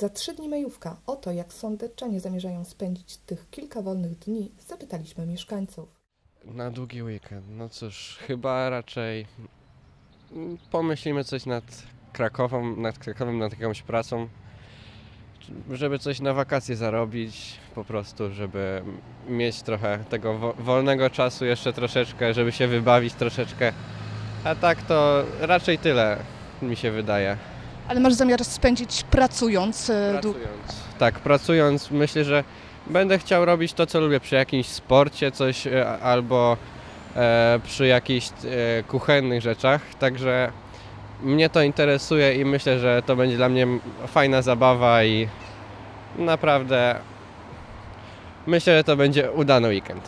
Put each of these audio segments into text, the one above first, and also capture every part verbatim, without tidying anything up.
Za trzy dni majówka. O to, jak sądeczanie zamierzają spędzić tych kilka wolnych dni, zapytaliśmy mieszkańców. Na długi weekend, no cóż, chyba raczej pomyślimy coś nad Krakową, nad Krakowem, nad jakąś pracą, żeby coś na wakacje zarobić, po prostu, żeby mieć trochę tego wo- wolnego czasu jeszcze troszeczkę, żeby się wybawić troszeczkę, a tak to raczej tyle mi się wydaje. Ale masz zamiar spędzić pracując? e, dłu- Pracując. Tak, pracując myślę, że będę chciał robić to, co lubię przy jakimś sporcie, coś e, albo e, przy jakichś e, kuchennych rzeczach, także mnie to interesuje i myślę, że to będzie dla mnie fajna zabawa i naprawdę myślę, że to będzie udany weekend.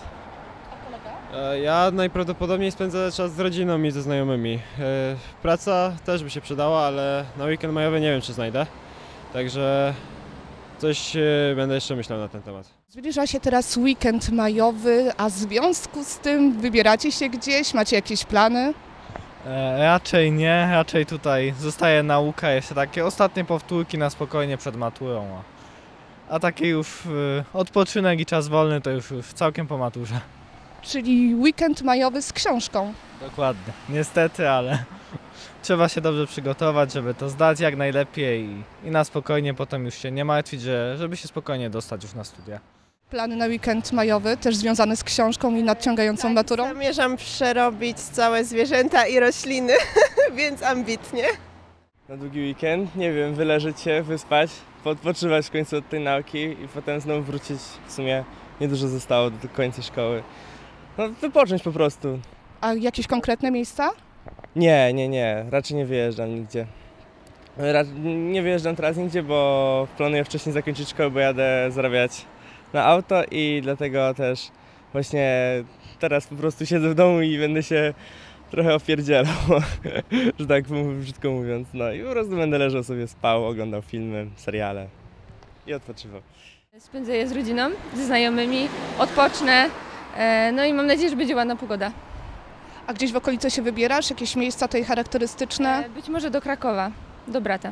E, Ja najprawdopodobniej spędzę czas z rodziną i ze znajomymi. E, Praca też by się przydała, ale na weekend majowy nie wiem, czy znajdę. Także coś e, będę jeszcze myślał na ten temat. Zbliża się teraz weekend majowy, a w związku z tym wybieracie się gdzieś? Macie jakieś plany? E, raczej nie, raczej tutaj zostaje nauka, jeszcze takie ostatnie powtórki na spokojnie przed maturą. A, a taki już y, odpoczynek i czas wolny to już, już całkiem po maturze. Czyli weekend majowy z książką. Dokładnie. Niestety, ale trzeba się dobrze przygotować, żeby to zdać jak najlepiej i, i na spokojnie potem już się nie martwić, że, żeby się spokojnie dostać już na studia. Plany na weekend majowy, też związane z książką i nadciągającą maturą? Zamierzam przerobić całe zwierzęta i rośliny, więc ambitnie. Na długi weekend, nie wiem, wyleżeć się, wyspać, poodpoczywać w końcu od tej nauki i potem znowu wrócić. W sumie niedużo zostało do końca szkoły. No, wypocząć po prostu. A jakieś konkretne miejsca? Nie, nie, nie, raczej nie wyjeżdżam nigdzie. Ra nie wyjeżdżam teraz nigdzie, bo planuję wcześniej zakończyć szkołę, bo jadę zarabiać na auto i dlatego też właśnie teraz po prostu siedzę w domu i będę się trochę opierdzielał, że tak brzydko mówiąc. No i po prostu będę leżał sobie, spał, oglądał filmy, seriale i odpoczywał. Spędzę je z rodziną, ze znajomymi, odpocznę, e, no i mam nadzieję, że będzie ładna pogoda. A gdzieś w okolicy się wybierasz? Jakieś miejsca tutaj charakterystyczne? E, być może do Krakowa, do brata.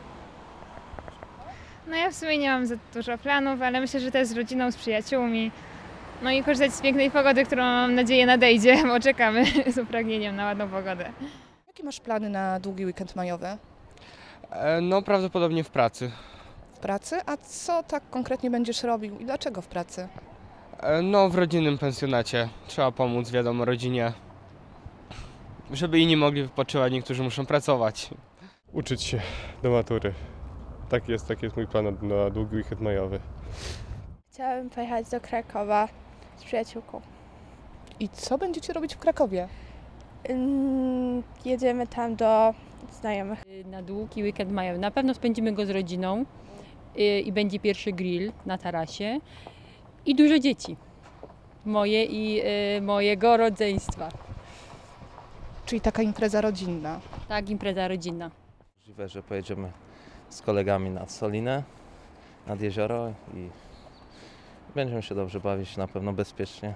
No ja w sumie nie mam za dużo planów, ale myślę, że też z rodziną, z przyjaciółmi. No i korzystać z pięknej pogody, którą mam nadzieję nadejdzie, bo czekamy z upragnieniem na ładną pogodę. Jakie masz plany na długi weekend majowy? E, no prawdopodobnie w pracy. W pracy? A co tak konkretnie będziesz robił i dlaczego w pracy? E, no w rodzinnym pensjonacie. Trzeba pomóc, wiadomo, rodzinie. Żeby inni mogli wypoczywać, niektórzy muszą pracować. Uczyć się do matury. Tak jest, taki jest mój plan na, na długi weekend majowy. Chciałabym pojechać do Krakowa z przyjaciółką. I co będziecie robić w Krakowie? Ym, jedziemy tam do znajomych. Na długi weekend majowy. Na pewno spędzimy go z rodziną y, i będzie pierwszy grill na tarasie i dużo dzieci. Moje i y, mojego rodzeństwa. Czyli taka impreza rodzinna. Tak, impreza rodzinna. Możliwe, że pojedziemy z kolegami nad Solinę, nad jezioro i będziemy się dobrze bawić, na pewno bezpiecznie.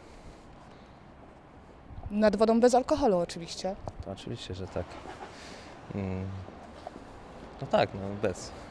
Nad wodą bez alkoholu oczywiście. To oczywiście, że tak. Mm, No tak, no bez.